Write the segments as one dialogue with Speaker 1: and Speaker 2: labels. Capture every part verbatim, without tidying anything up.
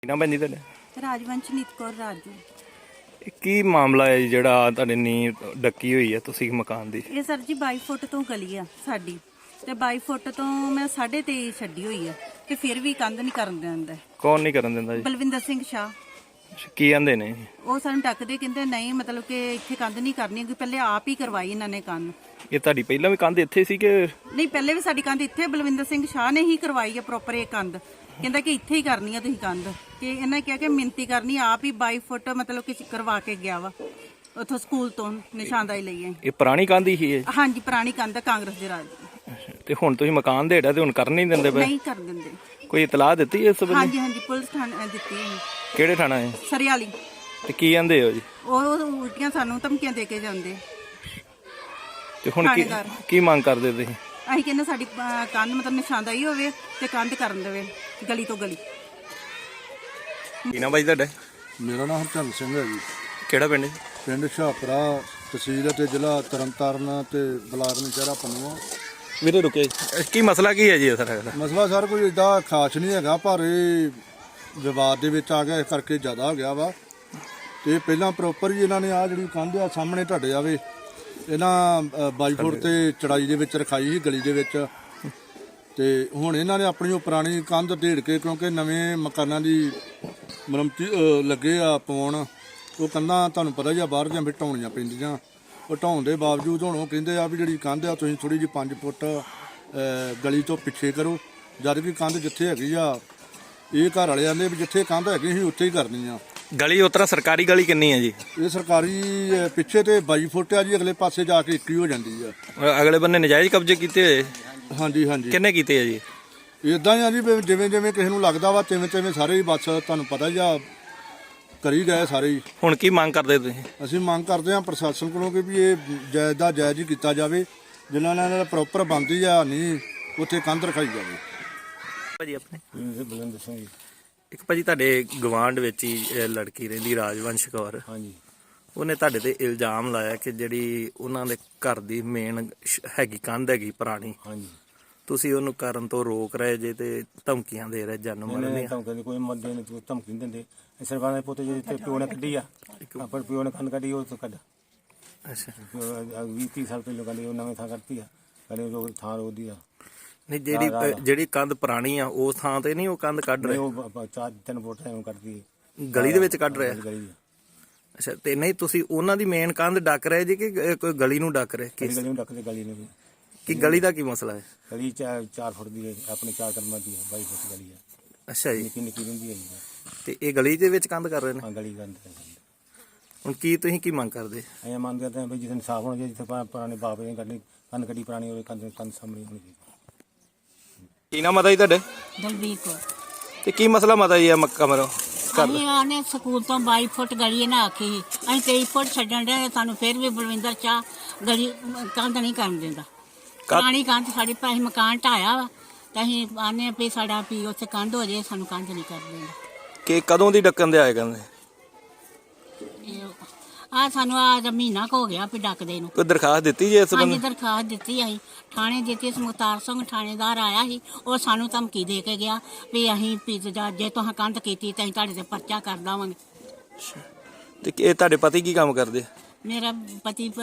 Speaker 1: ਨਾ ਭੈਣ ਜੀ ਤੁਹਾਡਾ
Speaker 2: ਰਾਜਵੰਸ਼ਨੀਤ ਕੌਰ ਰਾਜੂ।
Speaker 1: ਇਹ ਕੀ ਮਾਮਲਾ ਹੈ ਜਿਹੜਾ ਤੁਹਾਡੇ ਨੀਂਹ ਡੱਕੀ ਹੋਈ ਹੈ ਤੁਸੀਂ ਮਕਾਨ ਦੀ?
Speaker 2: ਇਹ ਸਰ ਜੀ ਬਾਈ ਫੁੱਟ ਤੋਂ ਗਲੀ ਆ ਸਾਡੀ ਤੇ ਬਾਈ ਫੁੱਟ ਤੋਂ ਮੈਂ ਸਾਢੇ ਤੇਈ ਛੱਡੀ ਹੋਈ ਆ ਤੇ ਫਿਰ ਵੀ ਕੰਧ ਨਹੀਂ ਕਰਨ ਦਿੰਦਾ।
Speaker 1: ਕੌਣ ਨਹੀਂ ਕਰਨ ਦਿੰਦਾ ਜੀ?
Speaker 2: ਬਲਵਿੰਦਰ ਸਿੰਘ ਸ਼ਾਹ।
Speaker 1: ਅੱਛਾ, ਕੀ ਆਂਦੇ ਨੇ?
Speaker 2: ਉਹ ਸਾਨੂੰ ਟੱਕਦੇ ਕਹਿੰਦੇ ਨਹੀਂ ਮਤਲਬ ਕਿ ਇੱਥੇ ਕੰਧ ਨਹੀਂ ਕਰਨੀ ਕਿ ਪਹਿਲੇ ਆਪ ਹੀ ਕਰਵਾਈ ਇਹਨਾਂ ਨੇ ਕੰਧ।
Speaker 1: ਇਹ ਤੁਹਾਡੀ ਪਹਿਲਾਂ ਵੀ ਕੰਧ ਇੱਥੇ ਸੀ ਕਿ?
Speaker 2: ਨਹੀਂ, ਪਹਿਲੇ ਵੀ ਸਾਡੀ ਕੰਧ ਇੱਥੇ ਬਲਵਿੰਦਰ ਸਿੰਘ ਸ਼ਾਹ ਨੇ ਹੀ ਕਰਵਾਈ ਆ ਪ੍ਰੋਪਰ ਇਹ ਕੰਧ। ਕਹਿੰਦਾ ਕਿ ਇੱਥੇ ਹੀ ਕਰਨੀ ਆ ਤੁਸੀਂ ਕੰਧ ਕਿ ਇਹਨਾਂ ਕਿਹਾ ਕਿ ਮਿਹਨਤੀ ਕਰਨੀ ਆਪ ਹੀ ਬਾਈ ਫੁੱਟ ਮਤਲਬ ਕਿ ਕਰਵਾ ਕੇ ਗਿਆ ਵਾ ਉੱਥੋਂ ਸਕੂਲ ਤੋਂ ਨਿਸ਼ਾਨਦਾਈ ਲਈ ਹੈ।
Speaker 1: ਇਹ ਪੁਰਾਣੀ ਕੰਧ ਹੀ ਹੈ?
Speaker 2: ਹਾਂਜੀ, ਪੁਰਾਣੀ ਕੰਧ ਆ ਕਾਂਗਰਸ ਦੇ ਰਾਜ ਦੀ।
Speaker 1: ਅੱਛਾ, ਤੇ ਹੁਣ ਤੁਸੀਂ ਮਕਾਨ ਦੇ ਹੇਠਾਂ ਤੇ ਹੁਣ ਕਰਨ ਨਹੀਂ ਦਿੰਦੇ ਪਏ?
Speaker 2: ਨਹੀਂ ਕਰ ਦਿੰਦੇ।
Speaker 1: ਕੋਈ ਇਤਲਾਹ ਦਿੱਤੀ ਇਸ ਸੰਬੰਧੀ?
Speaker 2: ਹਾਂਜੀ ਹਾਂਜੀ, ਪੁਲਿਸ ਥਾਣੇ ਦਿੱਤੀ ਹੈ।
Speaker 1: ਕਿਹੜੇ ਥਾਣਾ ਹੈ?
Speaker 2: ਸਰਿਆਲੀ।
Speaker 1: ਤੇ ਕੀ ਆਂਦੇ ਹੋ ਜੀ?
Speaker 2: ਉਹ ਉਹ ਉਲਟੀਆਂ ਸਾਨੂੰ ਧਮਕੀਆਂ ਦੇ ਕੇ ਜਾਂਦੇ।
Speaker 1: ਤੇ ਹੁਣ ਕੀ ਕੀ ਮੰਗ ਕਰਦੇ ਤੁਸੀਂ?
Speaker 2: ਅਸੀਂ ਕਹਿੰਦੇ ਸਾਡੀ ਅਹ, ਕੰਧ ਮਤਲਬ ਨਿਸ਼ਾਨਦਾਈ ਹੋਵੇ ਤੇ ਕੰਧ ਕਰਨ ਦੇਵੇ ਗਲੀ ਤੋਂ ਗਲੀ।
Speaker 1: ਕੀ ਨਾ ਬਾਈ ਤੁਹਾਡਾ?
Speaker 3: ਮੇਰਾ ਨਾਮ ਹਰਚੰਦ ਸਿੰਘ ਹੈ ਜੀ।
Speaker 1: ਕਿਹੜਾ ਪਿੰਡ?
Speaker 3: ਪਿੰਡ ਸ਼ਾਹਪੁਰਾ, ਤਹਿਸੀਲ ਅਤੇ ਜ਼ਿਲ੍ਹਾ ਤਰਨਤਾਰਨ ਤੇ ਬਲਾਕ ਨਸ਼ਹਿਰਾ ਪੰਨੂਆ।
Speaker 1: ਵੀਰੇ ਰੁਕੇ, ਕੀ ਮਸਲਾ ਕੀ ਹੈ ਜੀ ਸਰ?
Speaker 3: ਮਸਲਾ ਸਰ ਕੋਈ ਏਡਾ ਖਾਸ ਨਹੀਂ ਹੈਗਾ, ਪਰ ਇਹ ਵਿਵਾਦ ਦੇ ਵਿੱਚ ਆ ਗਿਆ ਇਸ ਕਰਕੇ ਜ਼ਿਆਦਾ ਹੋ ਗਿਆ ਵਾ। ਤੇ ਪਹਿਲਾਂ ਪ੍ਰੋਪਰ ਹੀ ਇਹਨਾਂ ਨੇ ਆ ਜਿਹੜੀ ਕੰਧ ਆ ਸਾਹਮਣੇ ਤੁਹਾਡੇ ਆਵੇ ਇਹਨਾਂ ਬਾਈ ਫੁੱਟ ਤੇ ਚੜਾਈ ਦੇ ਵਿੱਚ ਰਖਾਈ ਸੀ ਗਲੀ ਦੇ ਵਿੱਚ। ਤੇ ਹੁਣ ਇਹਨਾਂ ਨੇ ਆਪਣੀ ਉਹ ਪੁਰਾਣੀ ਕੰਧ ਢੇੜ ਕੇ, ਕਿਉਂਕਿ ਨਵੇਂ ਮਕਾਨਾਂ ਦੀ ਮੁਰੰਮਤੀ ਲੱਗੇ ਆ ਪਾਉਣ, ਉਹ ਕੰਧਾਂ ਤੁਹਾਨੂੰ ਪਤਾ ਜਾਂ ਬਾਹਰ ਜਾਂ ਫਿਰ ਢਾਉਣੀਆਂ ਪੈਂਦੀਆਂ। ਉਹ ਢਾਉਣ ਦੇ ਬਾਵਜੂਦ ਹੁਣ ਉਹ ਕਹਿੰਦੇ ਆ ਵੀ ਜਿਹੜੀ ਕੰਧ ਆ ਤੁਸੀਂ ਥੋੜੀ ਜਿਹੀ ਪੰਜ ਫੁੱਟ ਗਲੀ ਤੋਂ ਪਿੱਛੇ ਕਰੋ, ਜਦ ਕਿ ਕੰਧ ਜਿੱਥੇ ਹੈਗੀ ਆ ਇਹ ਘਰ ਵਾਲੇ ਆਂਦੇ ਵੀ ਜਿੱਥੇ ਕੰਧ ਹੈਗੀ ਸੀ ਉੱਥੇ ਹੀ ਕਰਨੀ ਆ।
Speaker 1: ਗਲੀ ਉਤਰਾ ਸਰਕਾਰੀ ਗਲੀ ਕਿੰਨੀ ਹੈ ਜੀ?
Speaker 3: ਇਹ ਸਰਕਾਰੀ ਪਿੱਛੇ ਤੇ ਬਾਈ ਫੁੱਟ ਆ ਜੀ, ਅਗਲੇ ਪਾਸੇ ਜਾ ਕੇ ਇੱਕੀ ਹੋ ਜਾਂਦੀ ਆ।
Speaker 1: ਅਗਲੇ ਬੰਨੇ ਨਜਾਇਜ਼ ਕਬਜ਼ੇ ਕੀਤੇ ਹੋਏ?
Speaker 3: ਹਾਂਜੀ ਹਾਂਜੀ।
Speaker 1: ਕਿੰਨੇ ਕੀਤੇ ਆ ਜੀ?
Speaker 3: ਇਦਾਂ ਹੀ ਆ ਜੀ, ਜਿਵੇਂ ਜਿਵੇਂ ਕਿਸੇ ਨੂੰ ਲੱਗਦਾ ਵਾ ਤਿਵੇਂ ਤਿਵੇਂ ਸਾਰੇ ਹੀ ਬਸ ਤੁਹਾਨੂੰ ਪਤਾ ਹੀ ਆ ਕਰੀ ਗਏ ਸਾਰੇ ਹੀ।
Speaker 1: ਹੁਣ ਕੀ ਮੰਗ ਕਰਦੇ ਤੁਸੀਂ?
Speaker 3: ਅਸੀਂ ਮੰਗ ਕਰਦੇ ਹਾਂ ਪ੍ਰਸ਼ਾਸਨ ਕੋਲੋਂ ਕਿ ਵੀ ਇਹ ਜਾਇਜ਼ ਦਾ ਜਾਇਜ਼ ਹੀ ਕੀਤਾ ਜਾਵੇ, ਜਿਨ੍ਹਾਂ ਨਾਲ ਪ੍ਰੋਪਰ ਬਣਦੀ ਆ ਨਹੀਂ ਉੱਥੇ ਕੰਧ ਰਖਾਈ ਜਾਵੇ।
Speaker 1: ਭਾਜੀ ਆਪਣੇ?
Speaker 3: ਬਲਵਿੰਦਰ ਸਿੰਘ ਜੀ।
Speaker 1: ਇੱਕ ਭਾਜੀ ਤੁਹਾਡੇ ਗਵਾਂਢ ਵਿੱਚ ਹੀ ਇਹ ਲੜਕੀ ਰਹਿੰਦੀ ਰਾਜਵੰਸ਼ ਕੌਰ।
Speaker 3: ਹਾਂਜੀ।
Speaker 1: ਉਹਨੇ ਤੁਹਾਡੇ ਤੇ ਇਲਜ਼ਾਮ ਲਾਇਆ ਕਿ ਜਿਹੜੀ ਉਹਨਾਂ ਦੇ ਘਰ ਦੀ ਮੇਨ ਹੈਗੀ ਕੰਧ ਹੈਗੀ ਪੁਰਾਣੀ,
Speaker 4: ਹਾਂਜੀ,
Speaker 1: ਤੁਸੀਂ ਉਹਨੂੰ ਕਰਨ ਤੋਂ ਰੋਕ ਰਹੇ ਜੇ ਤੇ ਧਮਕੀਆਂ ਦੇ ਰਹੇ ਜਨਮ ਮਰਨ ਦੀਆਂ।
Speaker 4: ਧਮਕੀ ਕੋਈ ਮਰਦੇ ਨੇ ਧਮਕੀ ਨਹੀਂ ਦਿੰਦੇ। ਸਰਕਾਰ ਦੇ ਪੁੱਤ ਜਿਹੜੇ ਪਿਓ ਨੇ ਕੱਢੀ ਆ, ਪਰ ਪਿਓ ਨੇ ਕੰਨ ਕੱਢੀ ਉਹ ਤੋਂ ਕੱਢ।
Speaker 1: ਅੱਛਾ,
Speaker 4: ਵੀਹ ਤੀਹ ਸਾਲ ਪਹਿਲਾਂ ਕਹਿੰਦੇ ਉਹ ਨਵੇਂ ਥਾਂ ਕਰਤੀ ਆ, ਕਹਿੰਦੇ ਉਹ ਥਾਂ ਉਹਦੀ ਆ।
Speaker 1: ਨਹੀਂ, ਜਿਹੜੀ ਜਿਹੜੀ ਕੰਧ ਪੁਰਾਣੀ ਆ ਉਸ ਥਾਂ ਤੇ ਨਹੀਂ ਉਹ ਕੰਧ ਕੱਢ ਰਹੇ?
Speaker 4: ਉਹ ਚਾਰ ਤਿੰਨ ਫੁੱਟ ਐਵੇਂ ਕੱਢਦੀ
Speaker 1: ਗਲੀ ਦੇ ਵਿੱਚ ਕੱਢ ਰਹੇ?
Speaker 4: ਗਲੀ
Speaker 1: ਅੱਛਾ, ਤੇ ਨਹੀਂ ਤੁਸੀਂ ਉਹਨਾਂ ਦੀ ਮੇਨ ਕੰਧ ਡੱਕ ਰਹੇ ਜੀ ਕਿ ਕੋਈ ਗਲੀ ਨੂੰ ਡੱਕ ਰਹੇ?
Speaker 4: ਗਲੀ ਨੂੰ ਡੱਕਦੇ ਗਲੀ ਨੂੰ।
Speaker 1: ਕਿ ਗਲੀ ਦਾ ਕੀ ਮਸਲਾ ਹੈ?
Speaker 4: ਗਲੀ ਚਾਰ ਚਾਰ ਫੁੱਟ ਦੀ ਹੈ, ਆਪਣੇ ਚਾਰ ਕਰਮਾਂ ਦੀ ਹੈ, ਬਾਈ ਫੁੱਟ ਗਲੀ ਆ।
Speaker 1: ਅੱਛਾ ਜੀ।
Speaker 4: ਨਿੱਕੀ ਨਿੱਕੀ ਰਹਿੰਦੀ ਹੈ ਜੀ।
Speaker 1: ਤੇ ਇਹ ਗਲੀ ਦੇ ਵਿੱਚ ਕੰਧ ਕਰ ਰਹੇ ਨੇ?
Speaker 4: ਹਾਂ, ਗਲੀ ਕੰਧ।
Speaker 1: ਹੁਣ ਕੀ ਤੁਸੀਂ ਕੀ ਮੰਗ ਕਰਦੇ?
Speaker 4: ਐਂ ਮੰਨਦੇ ਤਾਂ ਵੀ ਜਿੱਥੇ ਸਾਫ ਹੋਣਾ ਚਾਹੀਦਾ, ਜਿੱਥੇ ਪੁਰਾਣੇ ਬਾਪ ਨੇ ਕੱਢੀ ਕੰਨ ਕੱਢੀ ਪੁਰਾਣੀ ਉਹਦੇ ਕੰਧ ਕੰਧ ਸਾਹਮਣੇ ਹੋਣੀ ਚਾਹੀਦੀ।
Speaker 1: ਕੀ ਨਾਮ ਮਾਤਾ ਜੀ ਤੁਹਾਡੇ?
Speaker 5: ਦਲਬੀਰ ਕੌਰ।
Speaker 1: ਤੇ ਕੀ ਮਸਲਾ ਮਾਤਾ ਜੀ ਆ ਮੱਕਾ ਮਰੋ?
Speaker 5: ਅਸੀਂ ਆਨੇ ਸਕੂਲ ਤੋਂ ਬਾਈ ਫੁੱਟ ਗਲੀ ਨਾ ਆਖੀ ਸੀ, ਅਸੀਂ ਤੇਈ ਫੁੱਟ ਛੱਡਣ ਦੇ ਸਾਨੂੰ ਫਿਰ ਵੀ ਬਲਵਿੰਦਰ ਚਾਹ ਗਲੀ ਕੰਧ ਨਹੀਂ ਕਰਨ ਦਿੰਦਾ। ਪੁਰਾਣੀ ਕੰਧ ਸਾਡੀ ਭਾਈ ਮਕਾਨ ਢਾਇਆ ਵਾ ਤੇ ਅਸੀਂ ਆਨੇ ਵੀ ਸਾਡਾ ਵੀ ਉੱਥੇ ਕੰਧ ਹੋ ਜਾਏ, ਸਾਨੂੰ ਕੰਧ ਨਹੀਂ ਕਰ ਦਿੰਦਾ।
Speaker 1: ਕਿ ਕਦੋਂ ਦੀ ਡੱਕਣ ਦੇ ਆਏ ਕਹਿੰਦੇ?
Speaker 5: ਆ ਸਾਨੂੰ ਆ ਮਹੀਨਾ ਕੁ ਹੋ ਗਿਆ ਵੀ ਡੱਕਦੇ ਨੂੰ।
Speaker 1: ਕੋਈ ਦਰਖਾਸਤ ਦਿੱਤੀ ਜੀ ਇਸ
Speaker 5: ਹਾਂਜੀ,
Speaker 1: ਬੰਦੇ?
Speaker 5: ਦਰਖਾਸਤ ਦਿੱਤੀ ਅਸੀਂ ਥਾਣੇ ਦਿੱਤੀ। ਮੁਖਤਾਰ ਸਿੰਘ ਥਾਣੇਦਾਰ ਆਇਆ ਸੀ, ਉਹ ਸਾਨੂੰ ਧਮਕੀ ਦੇ ਕੇ ਗਿਆ ਵੀ ਅਸੀਂ ਵੀ ਜੇ ਤੁਸੀਂ ਕੰਧ ਕੀਤੀ ਤਾਂ ਅਸੀਂ ਤੁਹਾਡੇ ਤੇ ਪਰਚਾ ਕਰ ਦੇਵਾਂਗੇ।
Speaker 1: ਤੇ ਇਹ ਤੁਹਾਡੇ ਪਤੀ ਕੀ ਕੰਮ ਕਰਦੇ?
Speaker 5: ਮੇਰਾ ਪਤੀ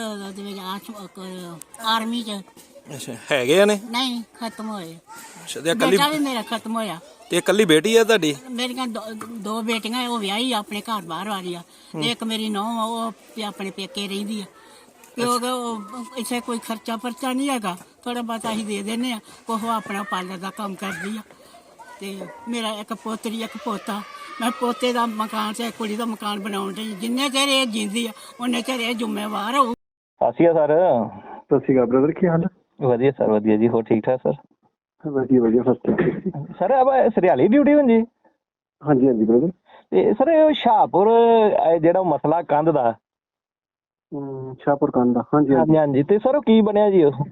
Speaker 5: ਆਰਮੀ ਚ।
Speaker 1: ਅੱਛਾ, ਹੈਗੇ ਆ ਨੇ?
Speaker 5: ਨਹੀਂ, ਖਤਮ ਹੋਏ।
Speaker 1: ਅੱਛਾ, ਤੇ ਇਕੱਲੀ?
Speaker 5: ਬੇਟਾ ਵੀ ਮੇਰਾ ਖਤਮ ਹੋਇਆ।
Speaker 1: ਤੇ ਇਕੱਲੀ ਬੇਟੀ ਆ ਤੁਹਾਡੀ?
Speaker 5: ਮੇਰੀਆਂ ਦੋ ਦੋ ਬੇਟੀਆਂ, ਉਹ ਵਿਆਹੀ ਆਪਣੇ ਘਰ ਬਾਹਰ ਵਾਲੀ ਆ। ਇੱਕ ਮੇਰੀ ਨੂੰਹ ਆ, ਉਹ ਵੀ ਆਪਣੇ ਪੇਕੇ ਰਹਿੰਦੀ ਆ। ਕਿਉਂਕਿ ਉਹ ਇੱਥੇ ਕੋਈ ਖਰਚਾ ਪਰਚਾ ਨਹੀਂ ਹੈਗਾ, ਥੋੜਾ ਬਹੁਤ ਅਸੀਂ ਦੇ ਦਿੰਦੇ ਆ। ਉਹ ਆਪਣਾ ਪਾਰਲਰ ਦਾ ਕੰਮ ਕਰਦੀ ਆ। ਤੇ ਮੇਰਾ ਇੱਕ ਪੋਤਰੀ ਇੱਕ ਪੋਤਾ। ਮੈਂ ਪੋਤੇ ਦਾ ਮਕਾਨ ਤੇ ਕੁੜੀ ਦਾ ਮਕਾਨ ਬਣਾਉਣ ਦੀ, ਜਿੰਨੇ ਚਿਰ ਇਹ ਜਿੰਦੀ ਆ ਉਹਨੇ ਚਿਰ ਇਹ ਜ਼ਿੰਮੇਵਾਰ ਹੋਊ।
Speaker 1: ਸਤਿ ਸ਼੍ਰੀ ਅਕਾਲ ਸਰ।
Speaker 6: ਸਤਿ ਸ਼੍ਰੀ ਅਕਾਲ ਬ੍ਰਦਰ, ਕੀ ਹਾਲ ਹੈ?
Speaker 1: ਵਧੀਆ ਸਰ, ਵਧੀਆ ਜੀ। ਹੋਰ ਠੀਕ ਠਾਕ ਸਰ?
Speaker 6: ਵਧੀਆ ਵਧੀਆ ਫਸਟ
Speaker 1: ਸਰ ਆਪ ਸਰਿਆਲੀ ਡਿਊਟੀ ਹੁੰਦੀ?
Speaker 6: ਹਾਂਜੀ ਹਾਂਜੀ ਬ੍ਰਦਰ।
Speaker 1: ਤੇ ਸਰ ਸ਼ਾਹਪੁਰ ਜਿਹੜਾ ਮਸਲਾ ਕੰਧ ਦਾ?
Speaker 6: ਸ਼ਾਹਪੁਰ ਕੰਧ ਦਾ? ਹਾਂਜੀ
Speaker 1: ਹਾਂਜੀ ਹਾਂਜੀ। ਤੇ ਸਰ ਉਹ ਕੀ ਬਣਿਆ ਜੀ? ਉਹ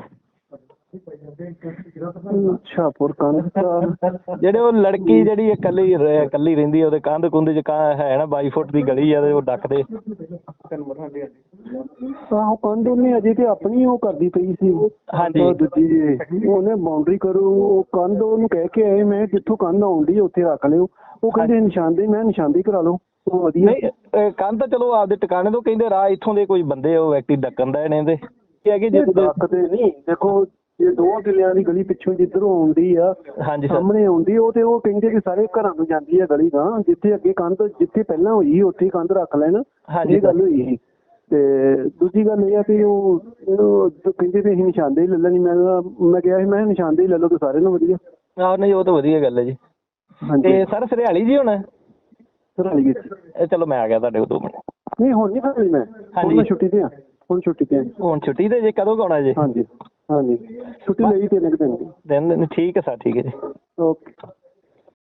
Speaker 6: ਸ਼ਾਹਪੁਰ ਕੰਧ
Speaker 1: ਜਿਹੜੇ ਉਹ ਲੜਕੀ ਜਿਹੜੀ ਇਕੱਲੀ ਇਕੱਲੀ ਰਹਿੰਦੀ ਉਹਦੇ ਕੰਧ ਕੁੰਧ ਚ ਹੈ ਨਾ ਬਾਈ ਫੁੱਟ ਦੀ ਗਲੀ ਆ ਤੇ ਉਹ ਡੱਕਦੇ?
Speaker 6: ਆਹੋ ਕੰਧ ਉਹਨੇ ਅਜੇ ਤੇ ਆਪਣੀ ਉਹ ਕਰਦੀ ਪਈ ਸੀ।
Speaker 7: ਹਾਂਜੀ।
Speaker 6: ਉਹ ਦੂਜੀ ਜੀ ਉਹਨੇ ਬਾਉਂਡਰੀ ਕਰੂ ਉਹ ਕੰਧ ਉਹਨੂੰ ਕਹਿ ਕੇ ਆਏ ਮੈਂ ਜਿੱਥੋਂ ਕੰਧ ਆਉਂਦੀ ਉੱਥੇ ਰੱਖ ਲਿਓ। ਉਹ ਕਹਿੰਦੇ ਨਿਸ਼ਾਨਦੇਹੀ, ਮੈਂ ਨਿਸ਼ਾਨਦੇਹੀ ਕਰਾ ਲਓ। ਉਹ ਵਧੀਆ।
Speaker 7: ਨਹੀਂ ਅਹ ਕੰਧ ਤਾਂ ਚਲੋ ਆਪਦੇ ਟਿਕਾਣੇ ਤੋਂ ਕਹਿੰਦੇ ਰਾਹ ਇੱਥੋਂ ਦੇ ਕੋਈ ਬੰਦੇ ਉਹ ਵਿਅਕਤੀ ਡੱਕਣ ਦਾ ਨੇ ਤੇ ਕੀ ਹੈ ਕਿ ਜੇ
Speaker 6: ਕਦੇ ਨਹੀਂ ਦੇਖੋ ਇਹ ਦੋ ਕਿੱਲਿਆਂ ਦੀ ਗਲੀ ਪਿੱਛੋਂ ਜਿੱਧਰੋਂ ਆਉਂਦੀ ਆ
Speaker 7: ਹਾਂਜੀ ਸਰ
Speaker 6: ਸਾਹਮਣੇ ਆਉਂਦੀ ਉਹ ਤੇ ਉਹ ਕਹਿੰਦੇ ਕਿ ਸਾਰੇ ਘਰਾਂ ਨੂੰ ਜਾਂਦੀ ਆ ਗਲੀ ਦਾ ਜਿੱਥੇ ਅੱਗੇ ਕੰਧ ਜਿੱਥੇ ਪਹਿਲਾਂ ਹੋਈ ਉੱਥੇ ਹੀ ਕੰਧ ਰੱਖ ਲੈਣ।
Speaker 7: ਹਾਂਜੀ
Speaker 6: ਇਹ ਗੱਲ ਹੋਈ ਸੀ। ਤੇ ਦੂਜੀ ਗੱਲ ਇਹ ਆ ਕਿ ਉਹ ਉਹ ਕਹਿੰਦੇ ਵੀ ਅਸੀਂ ਨਿਸ਼ਾਨਦੇਹੀ ਲੈ ਲੈਣੀ। ਮੈਂ ਮੈਂ ਕਿਹਾ ਸੀ ਮੈਂ ਕਿਹਾ ਨਿਸ਼ਾਨਦੇਹੀ ਲੈ ਲਓ ਤੇ ਸਾਰੇ ਨੂੰ ਵਧੀਆ।
Speaker 7: ਆਹ ਨਹੀਂ ਉਹ ਤਾਂ ਵਧੀਆ ਗੱਲ ਹੈ ਜੀ।
Speaker 6: ਹਾਂਜੀ
Speaker 7: ਤੇ ਸਰ ਸਰਿਆਲੀ ਜੀ ਹੁਣ
Speaker 6: ਸਰਾਲੀ ਵਿੱਚ
Speaker 7: ਇਹ ਚਲੋ ਮੈਂ ਆ ਗਿਆ ਤੁਹਾਡੇ ਕੋਲ ਦੋ ਮਿੰਟ।
Speaker 6: ਨਹੀਂ ਹੁਣ ਨਹੀਂ ਸਰਾਲੀ ਮੈਂ ਹੁਣ ਮੈਂ ਛੁੱਟੀ ਤੇ ਆ ਹੁਣ ਛੁੱਟੀ ਤੇ ਆ।
Speaker 7: ਹੁਣ ਛੁੱਟੀ ਤੇ ਜੇ ਕਦੋਂ ਕੁ ਆਉਣਾ ਜੀ?
Speaker 6: ਹਾਂਜੀ ਹਾਂਜੀ ਛੁੱਟੀ ਲਈ ਤਿੰਨ ਕੁ ਦਿਨ ਦੀ।
Speaker 7: ਦਿਨ ਦਿਨ ਠੀਕ ਹੈ ਸਰ ਠੀਕ ਹੈ ਜੀ।
Speaker 6: ਓਕੇ।